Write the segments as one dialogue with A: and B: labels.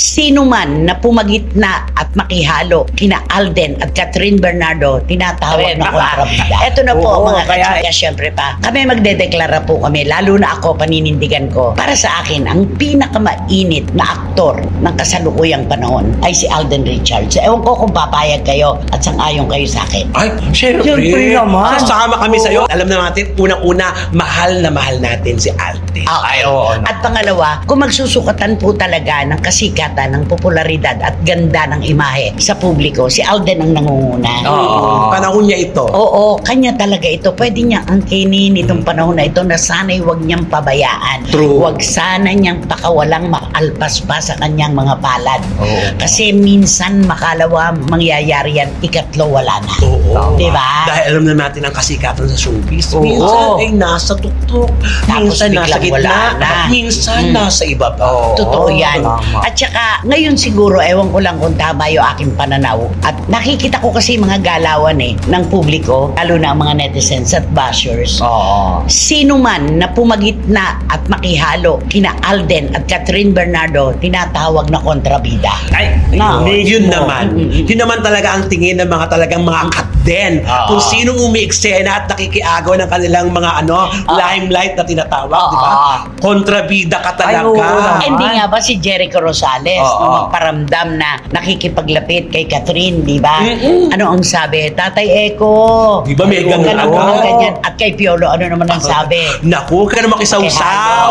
A: Sino man na pumagitna at makihalo kina Alden at Catherine Bernardo, tinatawag na kontrabida. Ito na po mga kachika, syempre pa. Kami magdedeklara po kami, lalo na ako, paninindigan ko. Para sa akin, ang pinakamainit na aktor ng kasalukuyang panahon ay si Alden Richards. Ewan ko kung papayag kayo at sang-ayon kayo sa akin.
B: Ay, syempre naman. Sasama kami sa'yo. Alam na natin, unang-una, mahal na mahal natin si Alden.
A: Okay. At pangalawa, kung magsusukatan po talaga ng kasikatan, ng popularidad at ganda ng imahe sa publiko, si Alden ang nangunguna.
B: Panahon niya ito.
A: Oo, kanya talaga ito. Pwede niya angkinin itong panahon na ito na sana'y huwag niyang pabayaan.
B: True.
A: Huwag sana niyang pakawalang makalpas pa sa kanyang mga palad. Kasi minsan makalawa mangyayari yan, ikatlo wala na.
B: Oo.
A: Diba?
B: Dahil alam na natin ang kasikatan sa showbiz.
A: Oo.
B: Minsan ay nasa tuktok.
A: Tapos
B: Minsan nasa
A: biglang wala
B: gitna.
A: na.
B: Minsan nasa ibaba.
A: Totoo yan. At saka, ngayon siguro, ewan ko lang kung tama yung aking pananaw. At nakikita ko kasi mga galawan ng publiko, lalo na ang mga netizens at bashers. Sino man na pumagitna at makihalo kina Alden at Catherine Bernardo, tinatawag na kontrabida.
B: Ay, yun naman. Yun naman talaga ang tingin ng mga talagang mga katden. Kung sinong umi-eksena at nakikiagaw ng kanilang mga limelight na tinatawag, di ba? Kontrabida ka talaga.
A: Hindi nga ba si Jericho Rosales nung magparamdam na nakikipaglapit kay Catherine, di ba? Ano ang sabi? Tatay Eko.
B: Di ba may
A: huwag ka
B: ganun
A: naman ng ganyan. At kay Piolo, ano naman ang sabi?
B: Naku, ka na makisawsaw.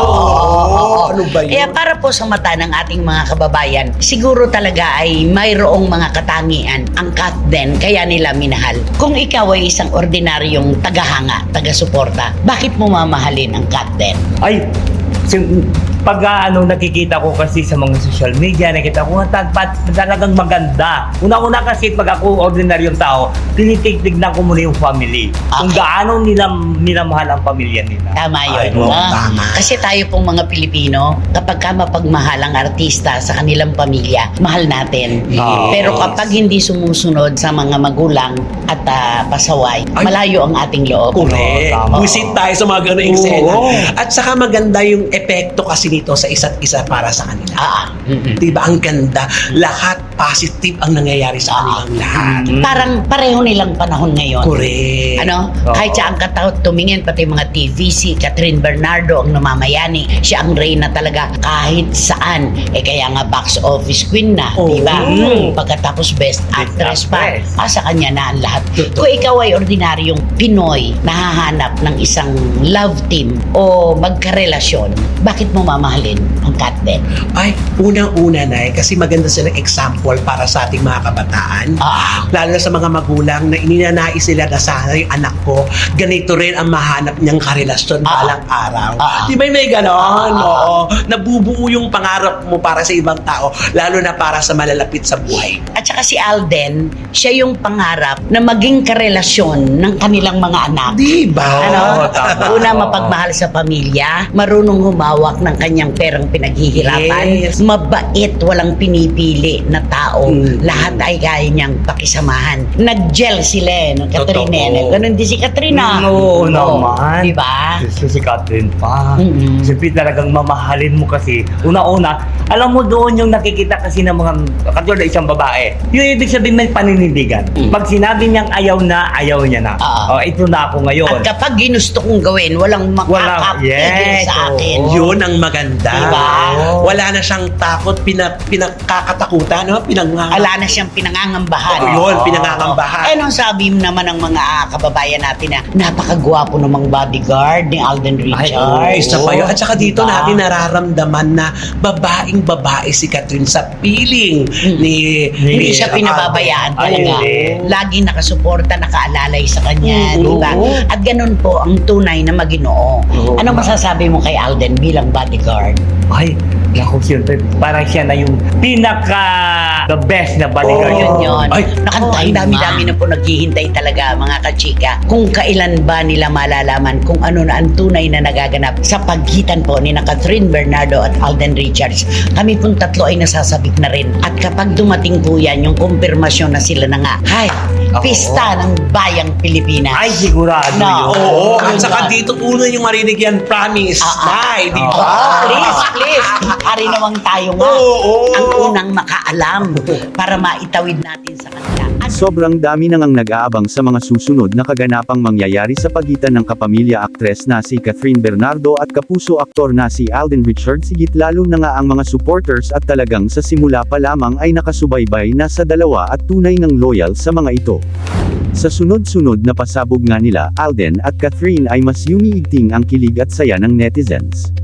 B: Ano ba yun?
A: Kaya para po sa mata ng ating mga kababayan, siguro talaga ay mayroong mga katangian ang katden, kaya nila minahal. Kung ikaw ay isang ordinaryong tagahanga, taga-suporta, bakit mo mamahalin ang katden?
C: Ay, pag nakikita ko kasi sa mga social media, nakita ko talagang maganda. Una-una kasi pag ako ordinaryong tao, tinitignan ko muna yung family. Kung gaano nila minamahal ang pamilya nila.
A: Tama yun.
B: Tama.
A: Kasi tayo pong mga Pilipino, kapag ka mapagmahal ang artista sa kanilang pamilya, mahal natin. Pero kapag hindi sumusunod sa mga magulang at pasaway, malayo ang ating loob.
B: Correct. Buisit tayo sa mga gano'ng eksena. At saka maganda yung epekto kasi nito sa isa't isa para sa kanila. Diba? Ang ganda. Lahat positive ang nangyayari sa kanilang lahat.
A: Parang pareho nilang panahon ngayon.
B: Correct.
A: Kahit siya ang tumingin, pati mga TVC, Catherine Bernardo ang namamayani. Siya ang reyna talaga kahit saan. Kaya nga box office queen na, diba? Pagkatapos best actress pa. Sa kanya na ang lahat. Kung ikaw ay ordinaryong Pinoy, nahahanap ng isang love team o magkarelasyon, bakit mo mamahalin ang katden?
B: Ay, unang-una na kasi maganda silang example para sa ating mga kabataan. Lalo na sa mga magulang na ininanais nila na sana yung anak ko, ganito rin ang mahanap niyang karelasyon balang araw. Di ba may ganon? Oo. Nabubuo yung pangarap mo para sa ibang tao, lalo na para sa malalapit sa buhay.
A: At saka si Alden, siya yung pangarap na maging karelasyon ng kanilang mga anak.
B: Di ba?
A: Una, mapagmahal sa pamilya, marunong humawak ng kanyang perang pinaghihirapan, mabait, walang pinipili na tao, lahat ay kaya niyang pakisamahan. Nag-gel sila, no? Katrina. Ganun din si Katrina.
C: Oo naman.
A: Diba?
C: Si Catherine pa. Siyempre talagang mamahalin mo kasi. Una-una, alam mo doon yung nakikita kasi ng mga katulad na isang babae. Yung ibig sabihin may paninindigan. Pag sinabi niyang ayaw niya na. Ito na ako ngayon.
A: At kapag ginusto kong gawin, walang makakapigil sa akin.
B: Yun ang maganda.
A: Diba?
B: Wala na siyang takot, pinagkakatakutan, no?
A: Wala na siyang pinangangambahan.
B: Yun, pinangangambahan.
A: Anong sabi naman ng mga kababayan natin na napakagwapo namang bodyguard ni Alden Richards?
B: Isa pa yun. At saka dito natin nararamdaman na babae si Catherine sa piling ni
A: Hindi siya pinababayaan talaga. Lagi nakasuporta, nakaalalay sa kanya, di ba? At ganun po ang tunay na Maginoo. Anong masasabi mo kay Alden bilang bodyguard?
C: Ay, naku, siyempre, parang siya na yung the best na bodyguard.
A: Yun. Ang dami-dami na po naghihintay talaga mga kachika. Kung kailan ba nila malalaman kung ano na ang tunay na nagaganap sa pagitan po ni Catherine Bernardo at Alden Richards. Kami pong tatlo ay nasasabik na rin. At kapag dumating po yan, yung kumpirmasyon na sila na nga, pista ng bayang Pilipinas.
C: Ay, sigurado yun.
B: Oo. At saka dito una yung marinig yan, promise. Di ba?
A: Please. Ari naman tayo nga.
B: Oo.
A: Ang unang makaalam para maitawid natin sa kanila.
D: Sobrang dami nang ang nag-aabang sa mga susunod na kaganapang mangyayari sa pagitan ng kapamilya aktres na si Catherine Bernardo at kapuso aktor na si Alden Richards, higit lalo na nga ang mga supporters at talagang sa simula pa lamang ay nakasubaybay na sa dalawa at tunay ng loyal sa mga ito. Sa sunod-sunod na pasabog nga nila, Alden at Catherine, ay mas yumiigting ang kilig at saya ng netizens.